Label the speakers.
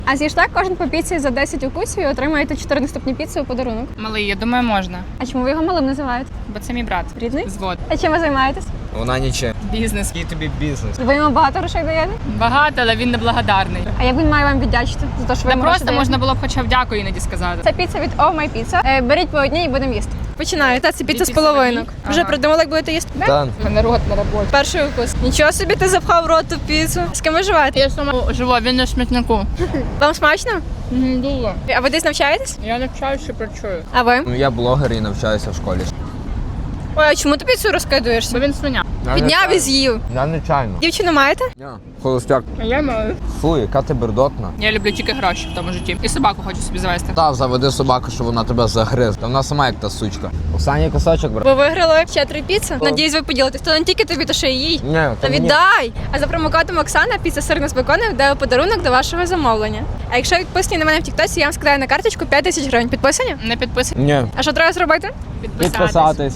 Speaker 1: А з'їжджа кожен по піці за 10 укусів і отримаєте 4 наступні піци у подарунок.
Speaker 2: Малий, я думаю, можна.
Speaker 1: А чому ви його малим називаєте?
Speaker 2: Бо це мій брат.
Speaker 1: Рідний?
Speaker 2: Звод.
Speaker 1: А чим ви займаєтесь?
Speaker 3: Вона нічим.
Speaker 2: Бізнес.
Speaker 3: Який тобі бізнес?
Speaker 1: Ви йому багато грошей даєте?
Speaker 2: Багато, але він неблагодарний.
Speaker 1: А як він має вам віддячити за те, що ви
Speaker 2: Та
Speaker 1: йому гроші
Speaker 2: просто
Speaker 1: даєте?
Speaker 2: можна було б хоча б дякую іноді сказати.
Speaker 1: Це піца від Oh My Pizza. Беріть по одній і будемо їсти. Починаю. Та це піца з
Speaker 2: піци
Speaker 1: половинок.
Speaker 2: одні?
Speaker 1: Вже
Speaker 2: Ага.
Speaker 1: придумали, як будете їсти?
Speaker 3: Та,
Speaker 2: Мене рот на роботі.
Speaker 1: Перший укус. Нічого собі ти запхав в рот ту піцу. З ким ви живете?
Speaker 2: Я сама живу, він на смітнику.
Speaker 1: Вам смачно?
Speaker 2: Дуже.
Speaker 1: А ви десь навчаєтесь?
Speaker 2: Я навчаюся, працюю.
Speaker 1: А ви?
Speaker 3: ну я блогер і навчаюся в школі.
Speaker 1: Ой, а чому ти піцу розкидуєшся?
Speaker 2: Бо він свиня.
Speaker 1: Підняв і з'їв.
Speaker 3: Я нечайно.
Speaker 1: Дівчину маєте?
Speaker 3: Холостяк.
Speaker 2: А я маю.
Speaker 3: Фу, яка ти бердотна.
Speaker 2: Я люблю тільки гроші в тому житті. І собаку хочу собі завести.
Speaker 3: Та, заведи собаку, щоб вона тебе загриз. Та вона сама як та сучка. Оксані кусочок, брат.
Speaker 1: Ви виграли ще 3 піци. Надіюсь, ви поділитесь. То не тільки тобі, то ще й їй.
Speaker 3: Ні,
Speaker 1: Та віддай! А за промокодом Оксана піца сирна з беконом дає подарунок до вашого замовлення. А якщо підписані на мене в Тіктосі, я вам скидаю на карточку 5 тисяч гривень. Підписані?
Speaker 2: Не підписуй.
Speaker 3: Ні.
Speaker 1: А що треба зробити?
Speaker 2: Підписатись.
Speaker 3: Підписатись.